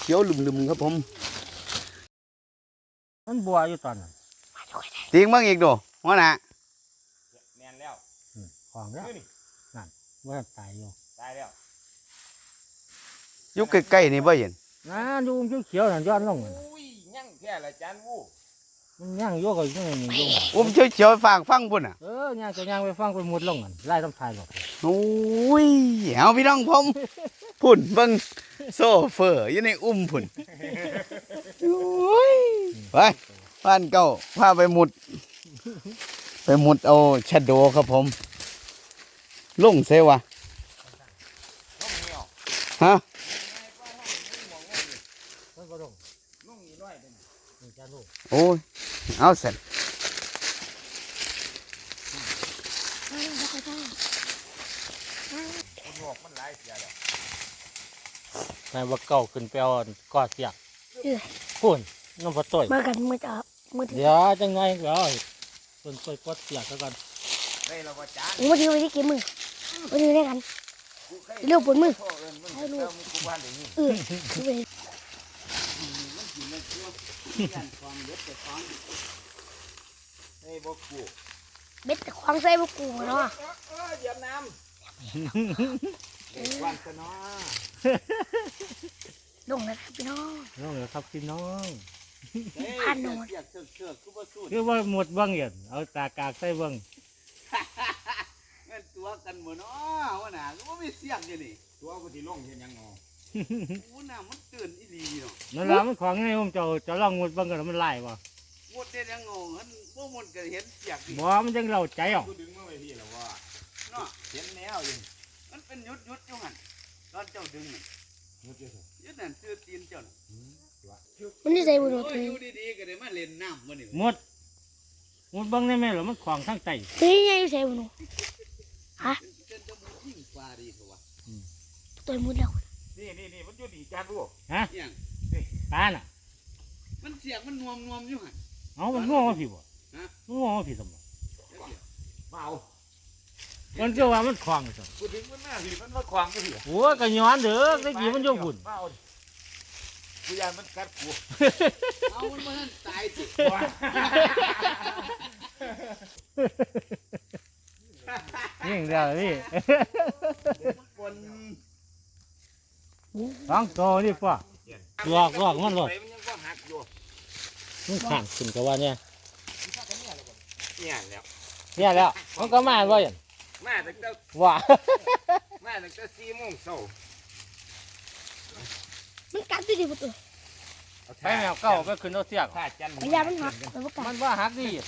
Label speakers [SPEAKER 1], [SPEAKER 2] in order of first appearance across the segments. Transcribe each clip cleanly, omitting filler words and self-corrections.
[SPEAKER 1] ขียวลืมๆครับผม
[SPEAKER 2] มันบัวอยู่ตอนนั้น
[SPEAKER 1] ตีงบ้างอีกดูหัวหน้า
[SPEAKER 3] แมนแล้ว
[SPEAKER 2] ของแล้วนั่นว่าตายอยู่
[SPEAKER 3] ตายแล้ว
[SPEAKER 1] อยู่ใกล้ๆนี่บ่เห็น
[SPEAKER 2] นะดูมันเขียวๆนั่นย้อนลงนั่น
[SPEAKER 3] อุ้ยยั่งแค่ละจานวู
[SPEAKER 2] มันย่างโยกก็ยังโยก
[SPEAKER 1] เขียวๆฟังพุ่นอ่ะ
[SPEAKER 2] ย่างก็ย่างไปฟังไปมุดลงกันไล่ต้องทายหรอก
[SPEAKER 1] โอ้ยเอาพี่น้องผมพุ่นเบิ่งโซเฟอร์อยู่ในพุ่นโอ้ยไปบ้านเก่าพาไปมุดเอาชะโดครับผมลงเซวะฮะโอ้ยเอาเสร็จ
[SPEAKER 2] นายว่าเก่าขึ้นไปเอาก้อเสียกพุ่นน้ำพอต่อย
[SPEAKER 4] มากันมือจับมือถือ
[SPEAKER 2] เดี๋ยวจังไงเดี๋ยวส่วนต่อยก้อเสียกแล้วกัน
[SPEAKER 3] ได้แล้วว่าจาน
[SPEAKER 4] มือถือไปที่เกมมือถือได้กันเร็วปวดมือให้ลูกเบ็ดควางใส่บุกูเนาะ
[SPEAKER 3] เหยียบน้ำวันซะเนาะ
[SPEAKER 4] ลงแล้วครับพี่น้อง
[SPEAKER 2] ลงแล้วครับพี่น้อง
[SPEAKER 4] พันหนู
[SPEAKER 2] คือว่าหมดบ้างอย่างเอาตากากใส่บ้าง
[SPEAKER 1] เงินตัวกันหมดเนาะว่าน่ะก็ไม่เสี่ยงอยู่นี่
[SPEAKER 3] ตัวกูที่ลงเห็นยังงอ
[SPEAKER 1] ว่าน่ะมันตื่นอีหลีเนาะ
[SPEAKER 2] นั่นแหละมันของไงผมจะลองหมดบ้างกันมันไล่บ่
[SPEAKER 1] หมดเด็ดยังงงมันพวกมันก็เห็นเสียกดิ
[SPEAKER 2] บ่มันจังเราใจอ่ะ
[SPEAKER 3] กูดึงมาไว้พี่แล้วว่า
[SPEAKER 1] เนาะ
[SPEAKER 3] เห็นแล้วยัง
[SPEAKER 1] มันเป็นยุดอยู่หันตอนเจ้าดึงยุดนั่นซื้อตีนเจ้า
[SPEAKER 4] มันนี่ใส่บุหรี่ตัว
[SPEAKER 1] อยู่ดีๆก็ได้มาเล่นน้ำมันนี่
[SPEAKER 2] หมดบ้างได้ไหมหรอมันของทั้งใจ
[SPEAKER 4] เฮ้ยยังอยู่ใส่บุหรี่ฮะตัวมุดแล้ว
[SPEAKER 3] นี่มันอยู่ดีจานวู
[SPEAKER 2] ฮะตาน่ะ
[SPEAKER 1] มันเสียงมันนวมอยู่หัน
[SPEAKER 2] เอามันง่วงผิดบ่ง่วงผิดสมบ่
[SPEAKER 3] เมา
[SPEAKER 2] มันก็ว่ามันคลองสิ
[SPEAKER 3] กูถึงมันหน้าสิมันมาขวางกูสิ
[SPEAKER 2] โอ้ยก็ย้อนเด้อได้กี่มันโยบุญ
[SPEAKER 3] กูยานมันกัดกู
[SPEAKER 1] เอามันมาตายสิ
[SPEAKER 2] ยิ่งเดียวนี่ฟังโตนี่ป่ะหลอกมันหลอกมันขังขึ้นกับว่าเนี่ยแล้วมันก็มาว่าอย่าง
[SPEAKER 3] มาตั้งแต่
[SPEAKER 2] ว่า
[SPEAKER 3] มาตั้งแต่4 โมงเช้า
[SPEAKER 4] มันกัดด้วยดิประตู
[SPEAKER 2] ไปแมวเก่าไปขึ้นรถเสียก
[SPEAKER 4] มันยามันหัก
[SPEAKER 2] มันว่าหักดี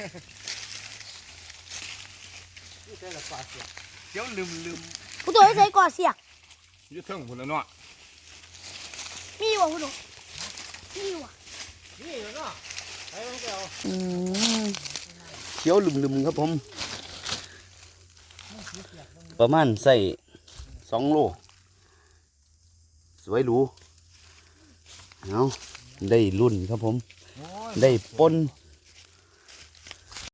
[SPEAKER 1] เดี๋ยวลืม
[SPEAKER 4] ประตูให้ใส่ก่อเสียก
[SPEAKER 3] ยืดถึงพุ่นแล้วเนาะ
[SPEAKER 4] มีวะประตูมีวะ
[SPEAKER 2] นี่เนาะไปมันเดียว
[SPEAKER 1] เขียวลืมครับผมประมาณใส่2 โลสวยหรูเอาได้รุ่นครับผมได้ปน